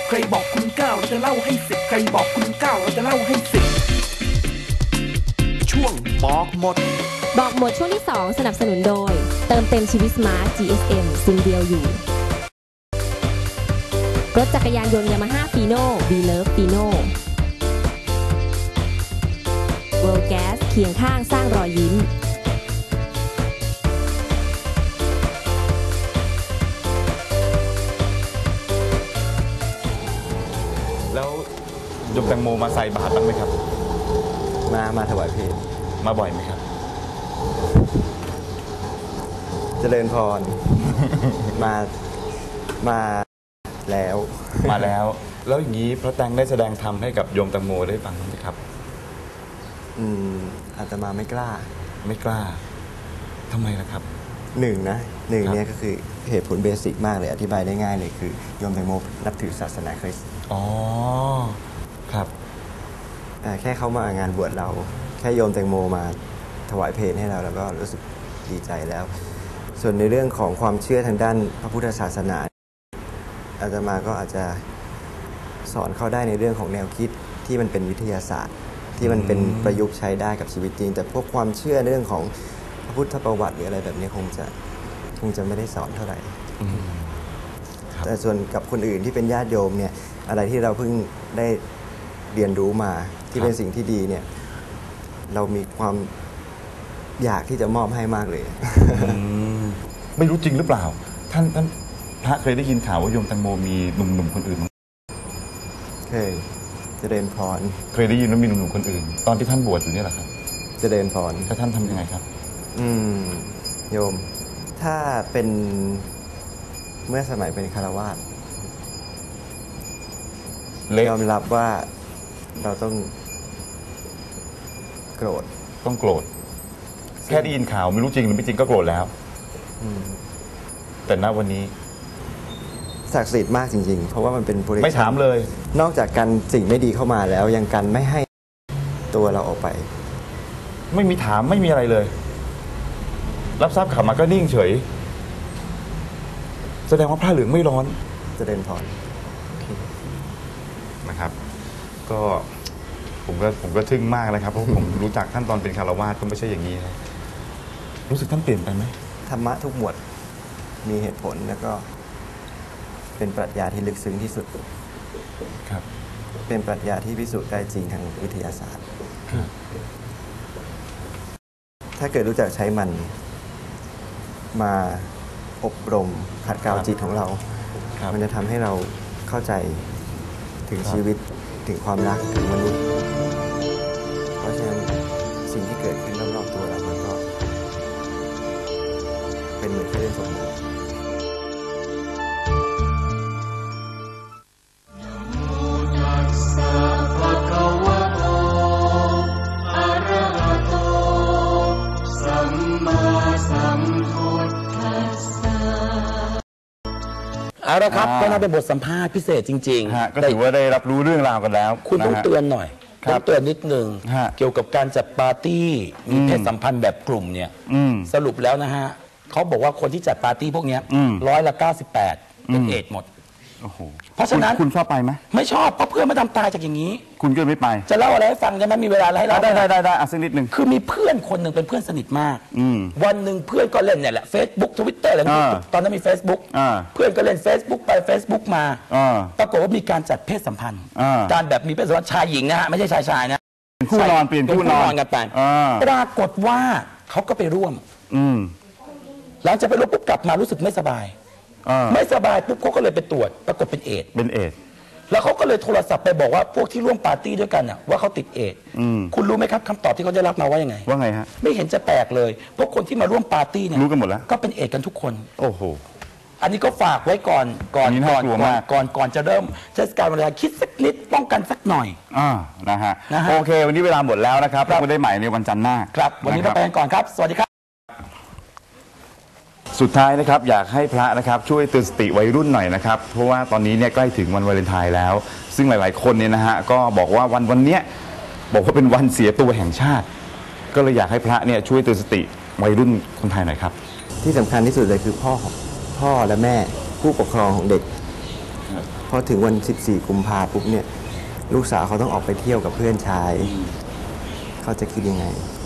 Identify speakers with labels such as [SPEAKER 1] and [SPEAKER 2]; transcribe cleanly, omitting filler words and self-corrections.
[SPEAKER 1] ใครบอกคุณ9เราจะเล่าให้10ใครบอกคุณ9เราจะเล่าให้10ช่วงบอกหมด
[SPEAKER 2] บอกหมดช่วงที่2สนับสนุนโดยเติมเต็มชีวิตสมาร์ท GSM ซิมเดียวอยู่รถจักรยานยนต์ Yamaha Fino We Love Fino World Gas เคียงข้างสร้างรอยยิ้ม
[SPEAKER 3] แล้วโยมแตงโมมาใส่บาตรบ้างไหมครับ
[SPEAKER 4] มาถวายเพลง
[SPEAKER 3] มาบ่อยไหมครับ
[SPEAKER 4] เจริญพร มาแล้ว
[SPEAKER 3] แล้วอย่างนี้พระแตงได้แสดงธรรมให้กับโยมแตงโมได้ฟังไหมครับ
[SPEAKER 4] อาตมาไม่กล้า
[SPEAKER 3] ทำไมล่ะครับ
[SPEAKER 4] หนึ่งเนี่ยก็คือเหตุผลเบสิกมากเลยอธิบายได้ง่ายเลยคือโยมแตงโมนับถือศาสนาคริสต์
[SPEAKER 3] อ๋อครับ
[SPEAKER 4] แค่เขามางานบวชเราแค่โยมแตงโมมาถวายเพลให้เราแล้วก็รู้สึกดีใจแล้วส่วนในเรื่องของความเชื่อทางด้านพระพุทธศาสนาอาตมาก็อาจจะสอนเขาได้ในเรื่องของแนวคิดที่มันเป็นวิทยาศาสตร์ที่มันเป็นประยุกต์ใช้ได้กับชีวิตจริงแต่พวกความเชื่อเรื่องของพระพุทธประวัติหรืออะไรแบบนี้คงจะไม่ได้สอนเท่าไหร่แต่ส่วนกับคนอื่นที่เป็นญาติโยมเนี่ยอะไรที่เราเพิ่งได้เรียนรู้มาที่เป็นสิ่งที่ดีเนี่ยเรามีความอยากที่จะมอบให้มากเลย
[SPEAKER 3] ไม่รู้จริงหรือเปล่าท่านพระเคยได้ยินข่าวว่าโยมแตงโมมีหนุ่มคนอื่น
[SPEAKER 4] เคยเจริญพร
[SPEAKER 3] เคยได้ยินว่ามีหนุ่มคนอื่นตอนที่ท่านบวชอยู่นี่แหละครับ
[SPEAKER 4] เจริญพร
[SPEAKER 3] แล้วท่านทำยังไงครับ
[SPEAKER 4] โยมถ้าเป็นเมื่อสมัยเป็นคฤหัสถ์ยอมรับว่าเราต้องโกรธ
[SPEAKER 3] แค่ได้ยินข่าวไม่รู้จริงหรือไม่จริงก็โกรธแล้วแต่ณวันนี้
[SPEAKER 4] ศักดิ์สิทธิ์มากจริงๆเพราะว่ามันเป็นบริ
[SPEAKER 3] ไม่ถามเลย
[SPEAKER 4] นอกจากกันสิ่งไม่ดีเข้ามาแล้วยังกันไม่ให้ตัวเราออกไป
[SPEAKER 3] ไม่มีถามไม่มีอะไรเลยรับทราบข่าวมาก็นิ่งเฉยแสดงว่าพระเหลืองไม่ร้อน
[SPEAKER 4] เจริญพร
[SPEAKER 3] นะครับก็ผมก็ทึ่งมากเลยครับเพราะผมรู้จักท่านตอนเป็นคฤหัสถ์ก็ไม่ใช่อย่างนี้นะรู้สึกท่านเปลี่ยนไปไหม
[SPEAKER 4] ธรรมะทุกหมวดมีเหตุผลแล้วก็เป็นปรัชญาที่ลึกซึ้งที่สุด
[SPEAKER 3] ครับ
[SPEAKER 4] เป็นปรัชญาที่พิสูจน์ได้จริงทางวิทยาศาสตร์ถ้าเกิดรู้จักใช้มันมาอบรมขัดเกลาจิตของเรามันจะทำให้เราเข้าใจถึงชีวิตถึงความรักถึงมนุษย์เพราะฉะนั้นสิ่งที่เกิดขึ้นรอบๆตัวเรามันก็เป็นเหมือนแค่เรื่องสมมติ
[SPEAKER 5] เอาละครับก็น่าเป็นบทสัมภาษณ์พิเศษจริง
[SPEAKER 3] ๆก็ถือว่าได้รับรู้เรื่องราวกันแล้ว
[SPEAKER 5] คุณต้องเตือนหน่อยต้องเตือนนิดนึงเกี่ยวกับการจัดปาร์ตี้มีเพศสัมพันธ์แบบกลุ่มเนี่ยสรุปแล้วนะฮะเขาบอกว่าคนที่จัดปาร์ตี้พวกนี้98%เป็นเอดส์หมดเพราะฉะนั้น
[SPEAKER 3] คุณชอบไปไหม
[SPEAKER 5] ไม่ชอบเพราะเพื่อนมาทำตายจากอย่างนี้
[SPEAKER 3] คุณก็ไม่ไป
[SPEAKER 5] จะเล่าอะไรให้ฟังได้ไหมมีเวลาให้เล่า
[SPEAKER 3] ได้สักนิดนึง
[SPEAKER 5] คือมีเพื่อนคนหนึ่งเป็นเพื่อนสนิทมากวันหนึ่งเพื่อนก็เล่นเนี่ยแหละ Facebook Twitter อะไรตอนนั้นมี Facebook เพื่อนก็เล่น Facebook ไป Facebook มาปรากฏว่ามีการจัดเพศสัมพันธ์การแบบมีเพศสัมพันธ์ชายหญิงนะฮะไม่ใช่ชายนะ
[SPEAKER 3] เป็นคู่นอนเปลี่ยนคู่นอน
[SPEAKER 5] กันไปปรากฏว่าเขาก็ไปร่วมหลังจากไปร่วมปุ๊บกลับมารู้สึกไม่สบายปุ๊บเขาก็เลยไปตรวจปรากฏเป็นเอดส์แล้วเขาก็เลยโทรศัพท์ไปบอกว่าพวกที่ร่วมปาร์ตี้ด้วยกันน่ะว่าเขาติดเอดส์คุณรู้ไหมครับคำตอบที่เขาได้รับมาว่ายังไง
[SPEAKER 3] ฮะ
[SPEAKER 5] ไม่เห็นจะแปลกเลยพวกคนที่มาร่วมปาร์ตี้เนี่ย
[SPEAKER 3] รู้กันหมดแล้ว
[SPEAKER 5] ก็เป็นเอดส์กันทุกคน
[SPEAKER 3] โอ้โห
[SPEAKER 5] อันนี้ก็ฝากไว้ก่อนจะเริ่มเทศกาลวันวาเลนไทน์คิดสักนิดป้องกันสักหน่อย
[SPEAKER 3] นะฮะโอเควันนี้เวลาหมดแล้วนะครับเราได้ใหม่ในวันจันทร์หน้า
[SPEAKER 5] ครับวันนี้เราไปกันก่อนครับสวัสดีครับ
[SPEAKER 3] สุดท้ายนะครับอยากให้พระนะครับช่วยเตือนสติวัยรุ่นหน่อยนะครับเพราะว่าตอนนี้เนี่ยใกล้ถึงวันวาเลนไทน์แล้วซึ่งหลายๆคนเนี่ยนะฮะก็บอกว่าวันนี้บอกว่าเป็นวันเสียตัวแห่งชาติก็เลยอยากให้พระเนี่ยช่วยเตือนสติวัยรุ่นคนไทยหน่อยครับ
[SPEAKER 4] ที่สำคัญที่สุดเลยคือพ่อและแม่ผู้ปกครองของเด็กพอถึงวัน 14 กุมภาปุ๊บเนี่ยลูกสาวเขาต้องออกไปเที่ยวกับเพื่อนชายเขาจะคิดยังไง